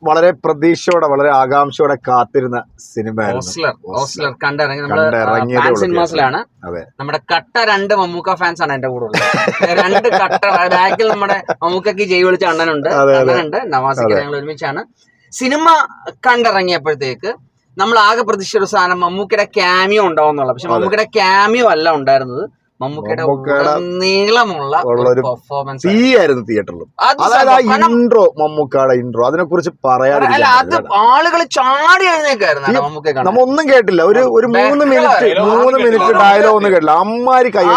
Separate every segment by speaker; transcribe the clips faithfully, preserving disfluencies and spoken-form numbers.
Speaker 1: വളരെ പ്രതീക്ഷയോടെ വളരെ ആകാംക്ഷയോടെ കാത്തിരുന്ന സിനിമയായിരുന്നു.
Speaker 2: കണ്ടിറങ്ങിയാണ്. നമ്മുടെ കട്ട രണ്ട് മമ്മൂക്ക ഫാൻസ് ആണ് എന്റെ കൂടെ ഉള്ളത്. രണ്ട് കട്ട ബാക്കിൽ നമ്മുടെ മമ്മൂക്കക്ക് ജയ് വിളിച്ച അണ്ണനുണ്ട്, അണ്ണനുണ്ട്, നവാസിക്ക്. ഞങ്ങൾ ഒരുമിച്ചാണ് സിനിമ കണ്ടിറങ്ങിയപ്പോഴത്തേക്ക് നമ്മൾ ആകെ പ്രതീക്ഷിച്ച ഒരു സാധനം മമ്മൂക്കയുടെ ക്യാമിയോ ഉണ്ടാവും എന്നുള്ളത്. പക്ഷെ മമ്മൂക്കയുടെ ക്യാമിയോ അല്ല ഉണ്ടായിരുന്നത്, മമ്മൂക്കയുടെ നീളമുള്ള പെർഫോമൻസ് ആയിരുന്നു തിയേറ്ററിൽ. അതായത് ആ ഇൻട്രോ, മമ്മൂക്കയുടെ ഇൻട്രോ, അതിനെ കുറിച്ച് പറയാനില്ല. അത് ആളുകൾ ചാടി എഴുന്നേക്കായിരുന്നു. മമ്മൂക്ക നമ്മ ഒന്നും കേട്ടില്ല. ഒരു ഒരു മൂന്ന് മിനിറ്റ് മൂന്ന് മിനിറ്റ് ഡയലോഗ് ഒന്നും കേട്ടില്ല. അമ്മാരി കൈ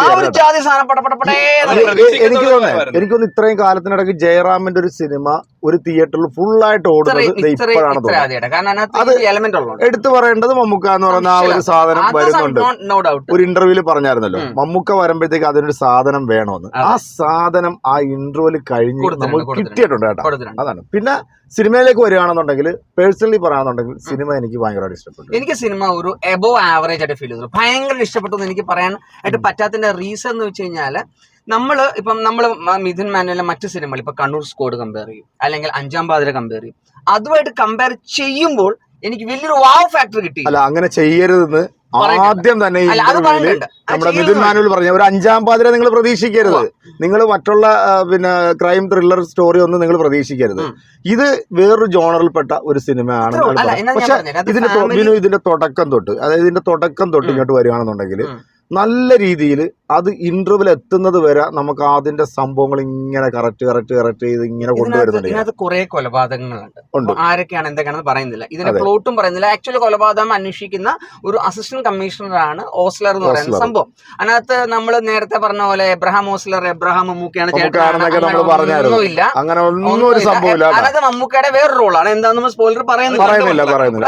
Speaker 2: എനിക്ക് തോന്നുന്നു എനിക്കൊന്ന് ഇത്രയും കാലത്തിനിടയ്ക്ക് ജയറാമിന്റെ ഒരു സിനിമ ഒരു തിയേറ്ററിൽ ഫുള്ളായിട്ട് ഓടുന്നത് ഇപ്പോഴാണ് തോന്നുന്നത്. അത് എടുത്തു പറയേണ്ടത് മമ്മൂക്ക എന്ന് പറയുന്ന ആ ഒരു സാധനം വരുന്നുണ്ട്. ഒരു ഇന്റർവ്യൂല് പറഞ്ഞായിരുന്നല്ലോ, മമ്മൂക്ക വരുമ്പോഴത്തേക്ക് അതിനൊരു സാധനം വേണമെന്ന്. ആ സാധനം ആ ഇന്റർവ്യൂല് കഴിഞ്ഞ് നമുക്ക് കിട്ടിയിട്ടുണ്ട് കേട്ടോ. അതാണ്. പിന്നെ സിനിമയിലേക്ക് വരികയാണെന്നുണ്ടെങ്കിൽ പേഴ്സണലി പറയാണെന്നുണ്ടെങ്കിൽ സിനിമ എനിക്ക് ഭയങ്കരമായിട്ട് ഇഷ്ടപ്പെട്ടു. എനിക്ക് സിനിമ ഒരു എബോവ് ആവറേജ് ആയിട്ട് ഫീൽ ചെയ്തു. ഭയങ്കര ഇഷ്ടപ്പെട്ടു എന്ന് എനിക്ക് പറയാൻ ആയിട്ട് പറ്റാത്തതിന്റെ റീസൺ എന്ന് വെച്ച് കഴിഞ്ഞാല്, നമ്മള് ഇപ്പം നമ്മള് മിഥുൻ മാനുവലിലെ മറ്റു സിനിമകൾ ഇപ്പൊ കണ്ണൂർ സ്ക്വാഡ് കമ്പയർ ചെയ്യും, അല്ലെങ്കിൽ അഞ്ചാം പാതിര കമ്പയർ ചെയ്യും. അതുമായിട്ട് കമ്പയർ ചെയ്യുമ്പോൾ എനിക്ക് വലിയൊരു വാവ് ഫാക്ടർ കിട്ടി. അല്ല, അങ്ങനെ ചെയ്യരുതെന്ന് ആദ്യം തന്നെ നമ്മുടെ മിഥുൻ മാനുവൽ പറഞ്ഞ ഒരു അഞ്ചാം പാതിര നിങ്ങൾ പ്രതീക്ഷിക്കരുത്. നിങ്ങൾ മറ്റുള്ള പിന്നെ ക്രൈം ത്രില്ലർ സ്റ്റോറി ഒന്നും നിങ്ങൾ പ്രതീക്ഷിക്കരുത്. ഇത് വേറൊരു ജോണറിൽപ്പെട്ട ഒരു സിനിമയാണ്. പക്ഷെ ഇതിന്റെ ഇതിന്റെ തുടക്കം തൊട്ട്, അതായത് ഇതിന്റെ തുടക്കം തൊട്ട് ഇങ്ങോട്ട് വരികയാണെന്നുണ്ടെങ്കിൽ നല്ല രീതിയിൽ അത് ഇന്റർവ്യൂവിൽ എത്തുന്നത് വരെ നമുക്ക് അതിന്റെ സംഭവങ്ങൾ ഇങ്ങനെ കറക്റ്റ് കറക്റ്റ് കറക്റ്റ് ചെയ്ത് ഇങ്ങനെ കൊണ്ടുവരുന്നുണ്ട്. ഇതിനകത്ത് കുറെ കൊലപാതകങ്ങളുണ്ട്. ആരൊക്കെയാണ് എന്തൊക്കെയാണെന്ന് പറയുന്നില്ല, ഇതിന്റെ പ്ലോട്ടും പറയുന്നില്ല. ആക്ച്വലി കൊലപാതകം അന്വേഷിക്കുന്ന ഒരു അസിസ്റ്റന്റ് കമ്മീഷണറാണ് ഓസ്ലർ എന്ന് പറയുന്ന സംഭവം. അതിനകത്ത് നമ്മൾ നേരത്തെ പറഞ്ഞ പോലെ എബ്രഹാം ഓസ്ലർ, എബ്രഹാം മമ്മൂക്കയാണ് ഒന്നുമില്ല, അങ്ങനെ ഒന്നും ഒരു സംഭവമില്ല. അതായത് മമ്മൂക്കയുടെ വേറൊരു റോളാണ്. എന്താണെന്ന് നമ്മൾ സ്പോയിലർ പറയുന്നില്ല.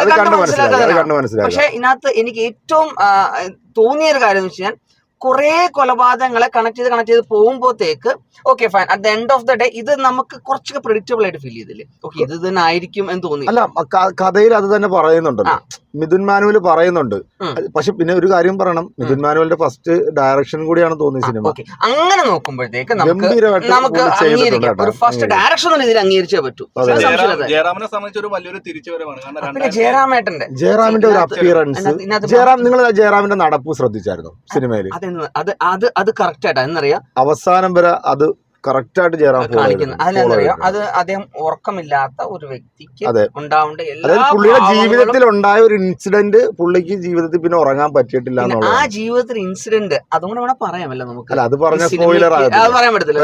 Speaker 2: പക്ഷെ ഇതിനകത്ത് എനിക്ക് ഏറ്റവും തോന്നിയ ഒരു കാര്യം എന്ന് വെച്ചാൽ, കുറെ കൊലപാതകങ്ങളെ കണക്ട് ചെയ്ത് കണക്ട് ചെയ്ത് പോകുമ്പോഴത്തേക്ക് okay fine, at the end of the day ഇത് നമുക്ക് കുറച്ചൊക്കെ പ്രെഡിക്റ്റബിൾ ആയിട്ട് ഫീൽ ചെയ്തില്ലേ, ഓക്കെ ഇത് തന്നെ ആയിരിക്കും എന്ന് തോന്നി. അല്ല, കഥയിൽ അത് തന്നെ പറയുന്നുണ്ടല്ലോ, മിഥുൻ മാനുവൽ പറയുന്നുണ്ട്. പക്ഷെ പിന്നെ ഒരു കാര്യം പറയണം, മിഥുൻ മാനുവലിന്റെ ഫസ്റ്റ് ഡയറക്ഷൻ കൂടിയാണ് തോന്നിയ സിനിമ. അങ്ങനെ നോക്കുമ്പോഴത്തേക്ക് നമുക്ക് നമുക്ക് ഒരു ഫസ്റ്റ് ഡയറക്ഷൻ ഇതിൽ അംഗീകരിച്ചേ പറ്റൂ.
Speaker 3: ജയറാമിനെ സംബന്ധിച്ച് ഒരു വലിയൊരു തിരിച്ചുവരവാണ്.
Speaker 2: പിന്നെ ജയറാമേട്ടന്റെ
Speaker 1: ജയറാമിന്റെ ഒരു അപ്പിയറൻസ്, ജയറാം നിങ്ങൾ ജയറാമിന്റെ നടപ്പ് ശ്രദ്ധിച്ചായിരുന്നു സിനിമയിൽ?
Speaker 2: അത് അത് അത് കറക്റ്റ് ആയിട്ടാ എന്നറിയാം, അവസാനം
Speaker 1: വരെ അത് കറക്റ്റ് ആയിട്ട് ജയറാം
Speaker 2: കാണിക്കുന്നത്. അതിനറിയാം, അത് അദ്ദേഹം ഉറക്കമില്ലാത്ത ഒരു വ്യക്തിക്ക് ഉണ്ടാവേണ്ട എല്ലാ
Speaker 1: പുള്ളിയുടെ ജീവിതത്തിൽ ഉണ്ടായ ഒരു ഇൻസിഡന്റ് പുള്ളിക്ക് ജീവിതത്തിൽ പിന്നെ ഉറങ്ങാൻ പറ്റിയിട്ടില്ല.
Speaker 2: ആ ജീവിതത്തിൽ ഇൻസിഡന്റ് അതുകൊണ്ട് വേണം പറയാമല്ലോ നമുക്ക്.
Speaker 1: അല്ല, അത് പറഞ്ഞ സ്പോയിലർ
Speaker 2: പറയാൻ പറ്റത്തില്ല.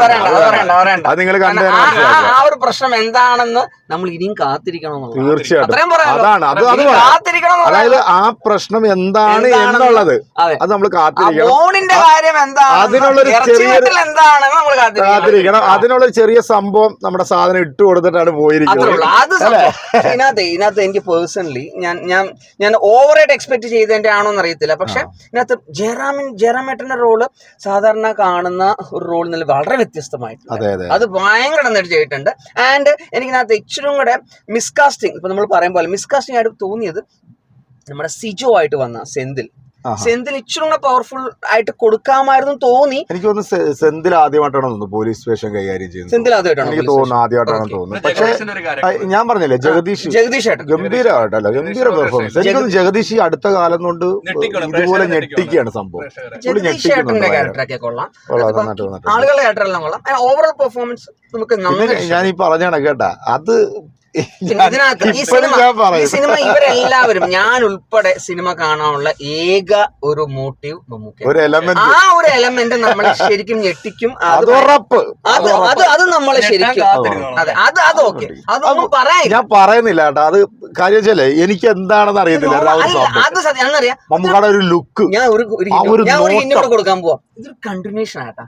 Speaker 2: ആ ഒരു പ്രശ്നം എന്താണെന്ന് നമ്മൾ ഇനിയും കാത്തിരിക്കണം.
Speaker 1: തീർച്ചയായിട്ടും അതാണ് അത് അത് അതായത് ആ പ്രശ്നം എന്താണ് എന്നുള്ളത് അത് നമ്മൾ കാത്തിരിക്കണം.
Speaker 2: കാര്യം എന്താണ്,
Speaker 1: അതിനുള്ളൊരു ചെറിയ
Speaker 2: എന്താണെന്ന് നമ്മൾ
Speaker 1: കാത്തിരിക്കണം. അതിനുള്ള ചെറിയ സംഭവം നമ്മുടെ സാധനം ഇട്ട് കൊടുത്തിട്ടാണ് പോയിരിക്കുന്നത്.
Speaker 2: ഇതിനകത്ത് ഇതിനകത്ത് എനിക്ക് പേഴ്സണലി ഞാൻ ഞാൻ ഞാൻ ഓവറായിട്ട് എക്സ്പെക്ട് ചെയ്തതിന്റെ ആണോന്ന് അറിയത്തില്ല. പക്ഷെ ഇതിനകത്ത് ജയറാമിൻ ജയറാമേട്ടന്റെ റോള് സാധാരണ കാണുന്ന ഒരു റോളിൽ നിന്ന് വളരെ വ്യത്യസ്തമായിട്ടുണ്ട്. അത് ഭയങ്കര നന്നായിട്ട് ചെയ്തിട്ടുണ്ട്. ആൻഡ് എനിക്കിനകത്ത് ഇച്ചിരി കൂടെ മിസ്കാസ്റ്റിംഗ്, ഇപ്പൊ നമ്മൾ പറയും പോലെ മിസ്കാസ്റ്റിംഗ് ആയിട്ട് തോന്നിയത് നമ്മുടെ സിജോ ആയിട്ട് വന്ന സെന്തിൽ സെന്തിൽ ഇച്ചിരി കൂടെ പവർഫുൾ ആയിട്ട് കൊടുക്കാമായിരുന്നു തോന്നി.
Speaker 1: എനിക്ക് തോന്നുന്നു സെന്തിൽ ആദ്യമായിട്ടാണ് തോന്നുന്നു പോലീസ് സ്റ്റേഷൻ കൈകാര്യം ചെയ്യുന്നത്.
Speaker 2: സെന്തിൽ ആദ്യമായിട്ടാണ്
Speaker 1: എനിക്ക് തോന്നുന്നു ആദ്യമായിട്ടാണ് തോന്നുന്നത്. പക്ഷെ ഞാൻ പറഞ്ഞില്ലേ, ജഗദീഷ്
Speaker 2: ജഗദീഷ്
Speaker 1: ഗംഭീരമായിട്ടല്ല, ഗംഭീര പെർഫോമൻസ്. എനിക്കൊന്ന് ജഗദീഷ് ഈ അടുത്ത കാലം കൊണ്ട് ഇതുപോലെ ഞെട്ടിക്കുകയാണ് സംഭവം.
Speaker 2: ജഗദീഷേട്ടന്റെ ക്യാരക്ടറൊക്കെ കൊള്ളാം, ആളുകളുടെ ക്യാരക്ടറെല്ലാം കൊള്ളാം. ഓവറോൾ പെർഫോമൻസ് നമുക്ക്
Speaker 1: ഞാൻ ഈ പറഞ്ഞാണ് കേട്ടാ. അത്
Speaker 2: ഇതിനകത്ത് ഈ സിനിമ ഈ സിനിമ ഇവരെല്ലാവരും ഞാൻ ഉൾപ്പെടെ സിനിമ കാണാനുള്ള ഏക ഒരു മോട്ടീവ് മമ്മൂക്ക. ആ ഒരു എലമെന്റ് നമ്മളെ ശരിക്കും ഞെട്ടിക്കും. അത് അത് അത് നമ്മളെ ശരിക്കും അതെ അത് അത് ഓക്കെ അതൊന്നും പറയാ
Speaker 1: ഞാൻ പറയുന്നില്ല കേട്ടോ. അത് കാര്യം വെച്ചാലേ എനിക്ക് എന്താണെന്ന് അറിയത്തില്ല.
Speaker 2: അത് സത്യം എന്നറിയാം.
Speaker 1: മമ്മൂക്കയുടെ ഒരു ലുക്ക്
Speaker 2: ഞാൻ ഒരു ഞാൻ ഒരു ഹിന്റ് കൂടെ കൊടുക്കാൻ പോവാം. ഇതൊരു കണ്ടിന്യൂഷൻ ആട്ടാ.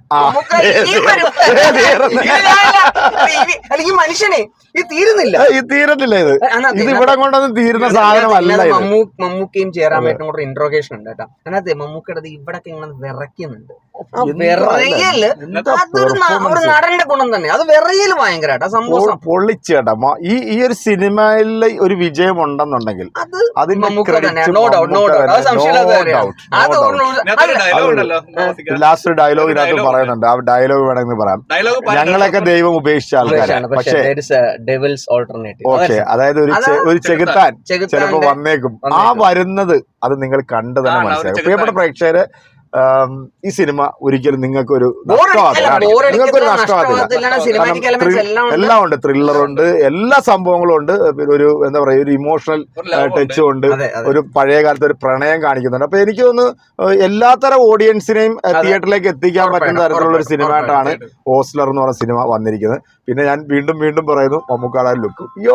Speaker 2: അല്ലെങ്കിൽ മനുഷ്യനെ ഇത് തീരുന്നില്ല
Speaker 1: ഇത് തീരത്തില്ല ഇത് ഇത് ഇവിടെ കൊണ്ടൊന്നും തീരുന്ന സാധനമല്ല.
Speaker 2: മമ്മൂക്കയും ജയറാമേട്ടനും കൂടെ ഇന്ററോഗേഷൻ ഉണ്ട് കേട്ടോ. അതിനകത്ത് മമ്മൂക്കയുടെ ഇവിടെ ഇങ്ങനെ വിറയ്ക്കുന്നുണ്ട്. ആ വിറയല് അതൊരു ഒരു നടന്റെ ഗുണം തന്നെ. അത് വിറയല് ഭയങ്കര സംഭവം
Speaker 1: പൊള്ളിച്ചേട്ടാ. ഈ ഈ ഒരു സിനിമയിലെ ഒരു വിജയം ഉണ്ടെന്നുണ്ടെങ്കിൽ
Speaker 2: അതിന്റെ ലാസ്റ്റ് ഡയലോഗ് ഇതിനകത്ത് പറയുന്നുണ്ട്. ആ ഡയലോഗ് വേണമെങ്കിൽ പറയാം. ഞങ്ങളൊക്കെ ദൈവം ഉപേക്ഷിച്ച ആൾക്കാരാണ്, പക്ഷേ ഓക്കെ, അതായത് ഒരു ഒരു ചെകുത്താൻ ചിലപ്പോ വന്നേക്കും. ആ വരുന്നത് അത് നിങ്ങൾ കണ്ടു തന്നെ മനസ്സിലാക്കും. പ്രിയപ്പെട്ട പ്രേക്ഷകര്, ഈ സിനിമ ഒരിക്കലും നിങ്ങൾക്ക് ഒരു നിങ്ങൾക്കൊരു നഷ്ടമാകത്തില്ല. എല്ലാം ഉണ്ട്, ത്രില്ലറുണ്ട്, എല്ലാ സംഭവങ്ങളും ഉണ്ട്. ഒരു എന്താ പറയാ, ഒരു ഇമോഷണൽ ടച്ചും ഉണ്ട്, ഒരു പഴയ കാലത്ത് ഒരു പ്രണയം കാണിക്കുന്നുണ്ട്. അപ്പൊ എനിക്ക് തോന്നുന്നു എല്ലാത്തരം ഓഡിയൻസിനെയും തിയേറ്ററിലേക്ക് എത്തിക്കാൻ പറ്റുന്ന തരത്തിലുള്ള ഒരു സിനിമയായിട്ടാണ് ഓസ്ലർ എന്ന് പറഞ്ഞ സിനിമ വന്നിരിക്കുന്നത്. പിന്നെ ഞാൻ വീണ്ടും വീണ്ടും പറയുന്നു, മമ്മൂക്കാടെ ലുക്ക് യോ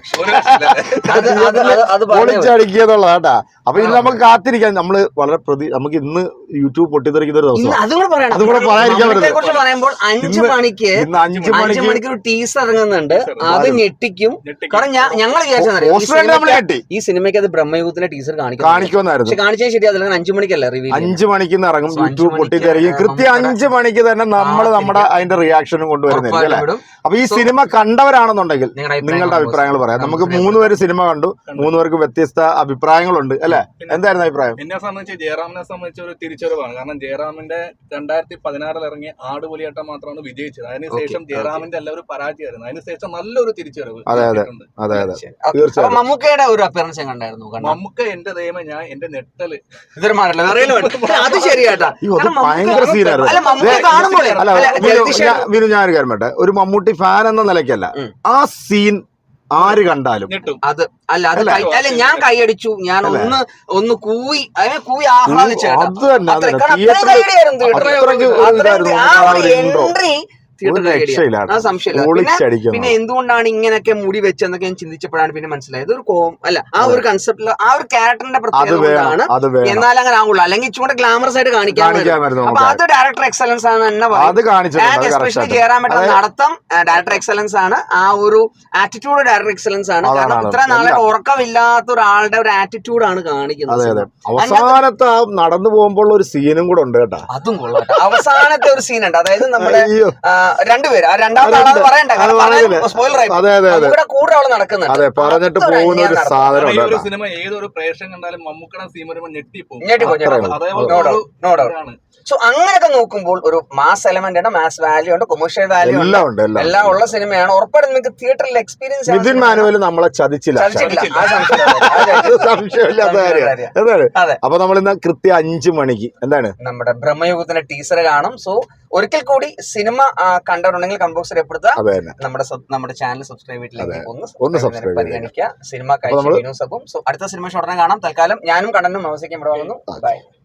Speaker 2: പൊളിച്ചടിക്കുക എന്നുള്ളതാട്ടാ. അപ്പൊ ഇന്ന് നമുക്ക് കാത്തിരിക്കാൻ, നമ്മള് വളരെ പ്രതി നമുക്ക് ഇന്ന് യൂട്യൂബ് പൊട്ടിത്തെറിക്കുന്ന ഒരു ദിവസം. അതുകൂടെ പറയാതിരിക്കാൻ
Speaker 4: പറയുമ്പോൾ അഞ്ചു മണിക്ക്
Speaker 2: അഞ്ചു
Speaker 4: അഞ്ചു മണിക്ക് ഒരു ടീസർ ഇറങ്ങുന്നുണ്ട്. അത് ഞെട്ടിക്കും. കാരണം ഞങ്ങൾ
Speaker 2: വിചാരിച്ചു
Speaker 4: ഈ സിനിമയ്ക്ക് അത് ബ്രഹ്മയുഗത്തിന്റെ ടീസർ
Speaker 2: കാണിക്കുമെന്നായിരുന്നു.
Speaker 4: പക്ഷെ കാണിച്ചാൽ ശരി, അതിൽ അഞ്ചു മണിക്കല്ല റിവ്യൂ.
Speaker 2: അഞ്ചു മണിക്ക് ഇറങ്ങും, യൂട്യൂബ് പൊട്ടിത്തെറിക്കും. കൃത്യം അഞ്ചു മണിക്ക് തന്നെ നമ്മൾ നമ്മുടെ അതിന്റെ റിയാക്ഷനും കൊണ്ടുവരുന്നില്ല അല്ലേ? അപ്പൊ ഈ സിനിമ കണ്ടവരാണെന്നുണ്ടെങ്കിൽ നിങ്ങളുടെ അഭിപ്രായങ്ങൾ പറയാം. നമുക്ക് മൂന്ന് പേര് സിനിമ കണ്ടു, മൂന്ന് പേർക്ക് വ്യത്യസ്ത അഭിപ്രായങ്ങളുണ്ട് അല്ലെ? എന്തായിരുന്നു അഭിപ്രായം?
Speaker 3: എന്നെ സംബന്ധിച്ച് ജയറാമിനെ സംബന്ധിച്ച് ഒരു തിരിച്ചറിവാണ്. കാരണം ജയറാമിന്റെ രണ്ടായിരത്തി പതിനാറിൽ ഇറങ്ങിയ ആടുപുലിയാട്ടം മാത്രമാണ് വിജയിച്ചത്. അതിനുശേഷം ജയറാമിന്റെ എല്ലാം ഒരു പരാജയമായിരുന്നു. അതിനുശേഷം നല്ലൊരു തിരിച്ചറിവ്.
Speaker 2: അതെ അതെ അതെ അതെ
Speaker 4: തീർച്ചയായും. മമ്മൂക്കയുടെ ഒരു അപ്പിയറൻസ് കണ്ടായിരുന്നു.
Speaker 3: മമ്മൂക്ക എന്റെ ദൈവം, ഞാൻ എന്റെ നെട്ടല്
Speaker 4: അത് ശരിയാട്ടാ,
Speaker 2: ഭയങ്കര സീനായിരുന്നു. ഞാനൊരു കാര്യം പറയട്ടെ, ഒരു മമ്മൂട്ടി ഫാൻ എന്ന നിലയ്ക്കല്ല, ആ സീൻ ആര് കണ്ടാലും
Speaker 4: അത് അല്ല അത് അല്ല ഞാൻ കൈയടിച്ചു, ഞാൻ ഒന്ന് ഒന്ന് കൂവി അതിനെ കൂവി ആഹ്ലാദിച്ചു. എൻട്രി പിന്നെ എന്തുകൊണ്ടാണ് ഇങ്ങനെയൊക്കെ മുടി വെച്ചെന്നൊക്കെ ഞാൻ ചിന്തിച്ചപ്പോഴാണ് പിന്നെ മനസ്സിലായത് ഒരു കോം അല്ല ആ ഒരു കൺസെപ്റ്റില് ആ ഒരു ക്യാരക്ടറിന്റെ പ്രത്യേകതയാണ്. എന്നാൽ അങ്ങനെ ആവുള്ളൂ, അല്ലെങ്കിൽ ഇച്ചുകൂടെ ഗ്ലാമറസ് ആയിട്ട് കാണിക്കാൻ. അപ്പൊ അത് ഡയറക്ടർ എക്സലൻസ് ആണ് തന്നെ പറയുന്നത്. എസ്പെഷ്യലി ജയറാം ഏട്ടൻ നടത്തം ഡയറക്ടർ എക്സലൻസ് ആണ്, ആ ഒരു ആറ്റിറ്റ്യൂഡ് ഡയറക്ടർ എക്സലൻസ് ആണ്. കാരണം ഇത്ര നാളെ ഉറക്കമില്ലാത്ത ഒരാളുടെ ഒരു ആറ്റിറ്റ്യൂഡാണ് കാണിക്കുന്നത്.
Speaker 2: അവസാനത്തെ നടന്നു പോകുമ്പോൾ ഒരു സീനും കൂടെ ഉണ്ട് കേട്ടോ,
Speaker 4: അതും കൊള്ളാം. അവസാനത്തെ ഒരു സീൻ ഉണ്ട്, അതായത് നമ്മുടെ രണ്ടുപേര്, ആ രണ്ടാമത്തെ ആളാണ് പറയണ്ട, കൂടെ അവള് നടക്കുന്നുണ്ട്.
Speaker 2: പറഞ്ഞിട്ട് പോകുന്ന ഒരു സാധനം.
Speaker 3: ഒരു സിനിമ ഏതൊരു പ്രേക്ഷകൻ കണ്ടാലും മമ്മൂക്കയുടെ സീൻ വരുമ്പോൾ ഞെട്ടിപ്പോകും.
Speaker 4: സോ അങ്ങനെയൊക്കെ നോക്കുമ്പോൾ ഒരു മാസ് എലമെന്റ് ഉണ്ട്, മാസ് വാല്യൂ ഉണ്ട്, കൊമേഴ്ഷ്യൽ വാല്യൂ ഉണ്ട്, എല്ലാം ഉള്ള സിനിമയാണ്. ഉറപ്പായിട്ടും നിങ്ങൾക്ക് തിയേറ്ററിൽ എക്സ്പീരിയൻസ്.
Speaker 2: നിതിൻ മാനുവൽ നമ്മളെ ചതിച്ചില്ല, അപ്പൊ നമ്മൾ ഇന്ന് കൃത്യം അഞ്ചു മണിക്ക് എന്താണ്
Speaker 4: നമ്മുടെ ബ്രഹ്മയുഗത്തിന്റെ ടീസർ കാണും. സോ ഒരിക്കൽ കൂടി സിനിമ കണ്ടവരുണ്ടെങ്കിൽ കമ്പോസ് രേഖപ്പെടുത്തുക, നമ്മുടെ നമ്മുടെ ചാനൽ സബ്സ്ക്രൈബ് ചെയ്തിട്ടില്ലെങ്കിൽ പരിഗണിക്കുക. സിനിമ കഴിച്ചു. സോ അടുത്ത സിനിമ ഉടനെ കാണാം. തൽക്കാലം ഞാനും കണ്ടനും അവസിക്കാൻ ഇവിടെ വന്നു. ബൈ.